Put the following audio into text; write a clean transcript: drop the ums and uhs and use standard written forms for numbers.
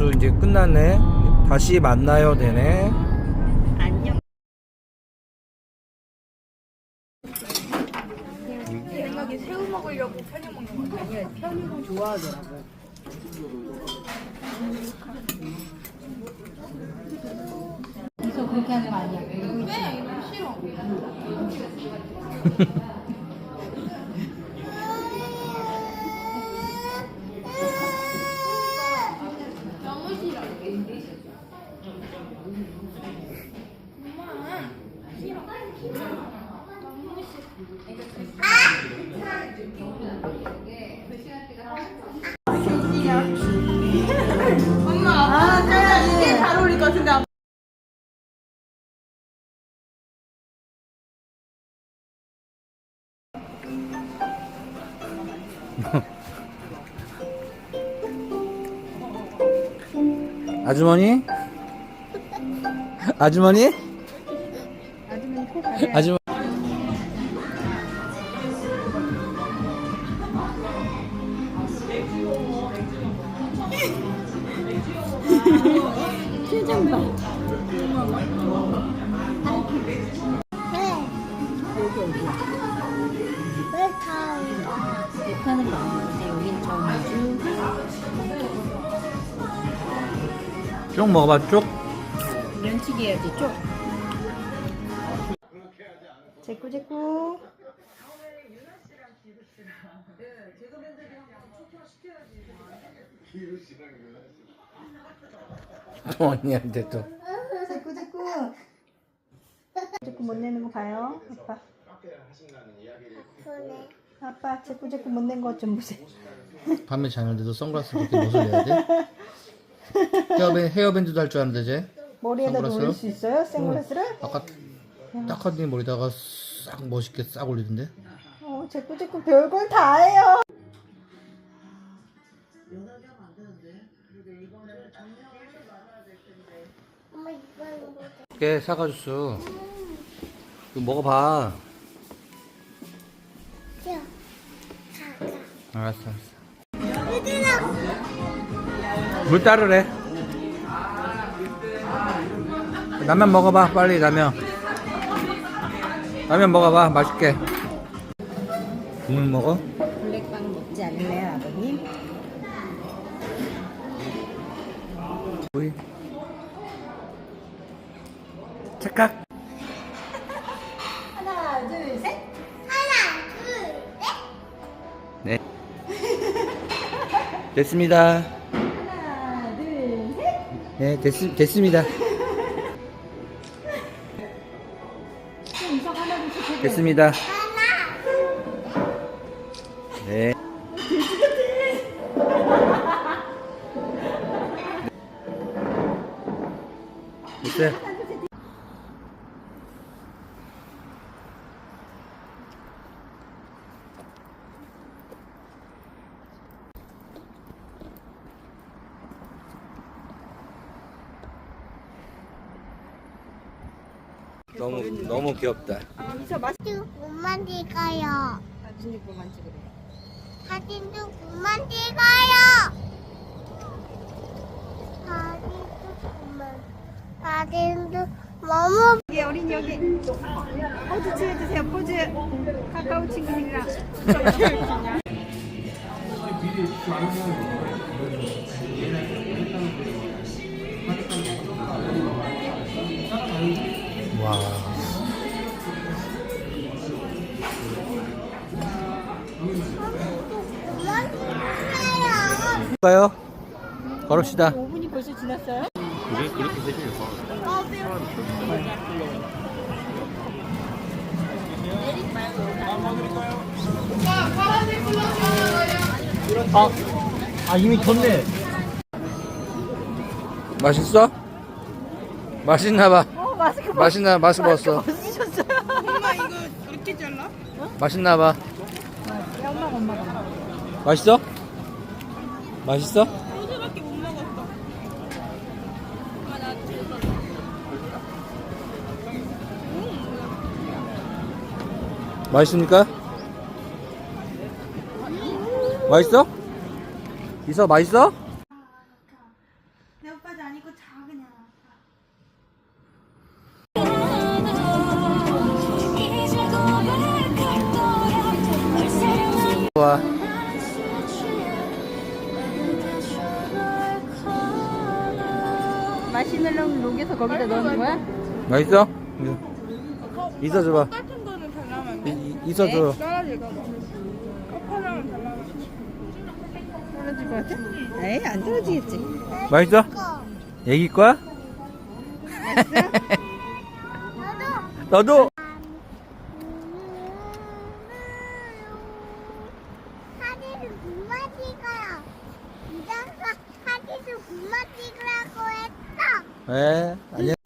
수 이제 끝났네. 다시 만나요 되네. 안녕. 생각에 새우 먹으려고 편육 먹는 거 아니야? 편육을 좋아하더라고. 그래서 그렇게 하는 거 아니야? 왜? 싫어. 너무 싫어. 엄마, 이게 잘 어울릴 것 같은데. 아주머니? 아주머니? 아주머니 코 가려. 아주머니. 표정 봐. 못하는 거 아닌데 여긴 전주. 쪽 먹어봐 쪽. 면치기 해야지 쪽. 제꾸제꾸. 또 언니한테 또. 제꾸제꾸. 제꾸 못 내는 거 봐요. 아빠. 아빠 제꾸제꾸 못 낸 것 좀 보세요. 밤에 자는데도 선글라스 그렇게 못을 내야 돼? 헤어밴드도 할 줄 아는데 쟤? 머리에다 선글라스? 올릴 수 있어요? 선글라스를? 아까 딱하니 머리다가 싹 멋있게 싹 올리던데? 제꾸제꾸 별걸 다 해요. 깨 사과주스 이거 먹어봐. 알았어 물 따르래. 라면 먹어봐 빨리. 라면 먹어봐 맛있게. 국물 먹어? 블랙빵 먹지 않을래요 아버님? 오이 착각. 하나 둘 셋. 네 됐습니다. 하나 둘 셋. 네 됐습니다. 인성 하나 둘 셋. 됐습니다. 네. 됐어요. 너무 귀엽다. 그만 찍어요. 사진 찍고만 찍으래. 사진도 그만 찍어요. 사진도 너무 여기 어린이 여기 포즈 취해주세요. 포즈. 카카오 친구들이랑. 와. 그만 찍어요. 가요. 걸읍시다. 5분이 벌써 지났어요? 이미 졌네. 맛있어? 맛있나봐. 마스크 마스크 벗었어. 벗으셨어요? 엄마 이거 이렇게 잘라? 맛있나봐. 엄마가. 맛있어? 맛있어? 소주밖에 못 먹었어. 엄마 나 맛있습니까? 맛있어? 이서 맛있어? 내 오빠도 아니고 자 그냥. 좋아. 마시멜로를 녹여서 거기다 넣는 거야? 맛있어? 있어줘봐. 같은 거는 달라면 있어줘. 떨어질까 봐. 컵하나는 달라면. 떨어질 것 같아? 에이 안 떨어지겠지. 맛있어? 애기 거야? 너도? 사진을 그만 찍어요. 이장가 사진을 그만 찍으라고 했어. 네, 안녕.